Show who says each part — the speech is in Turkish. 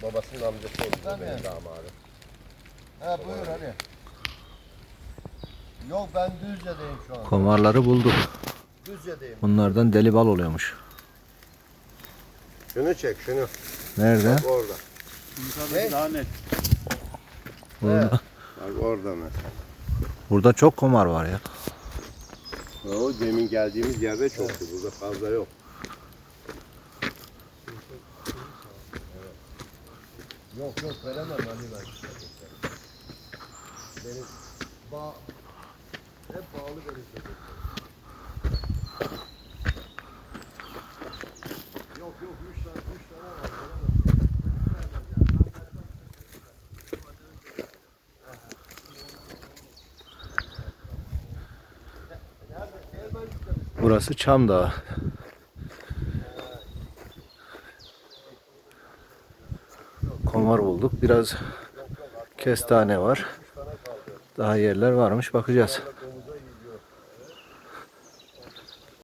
Speaker 1: Babasının amcası oldu
Speaker 2: Sen
Speaker 1: benim
Speaker 2: mi?
Speaker 1: damadım.
Speaker 2: He buyur hadi. Yok ben Düzce'deyim şu an.
Speaker 3: Komarları bulduk.
Speaker 2: Düzce'deyim.
Speaker 3: Bunlardan deli bal oluyormuş.
Speaker 1: Şunu çek şunu.
Speaker 3: Nerede?
Speaker 1: Bak orada.
Speaker 2: Ne?
Speaker 4: Daha net.
Speaker 3: Burada.
Speaker 1: Bak orada mesela.
Speaker 3: Burada çok komar var ya.
Speaker 1: O demin geldiğimiz yerde çoktu. Burada fazla yok.
Speaker 2: Yok veremem Ali ben. Benim hep bağlı benim çocuk. Yok 3 tane var.
Speaker 3: Burası Çam Dağı. Komar bulduk. Biraz kestane var. Daha yerler varmış. Bakacağız.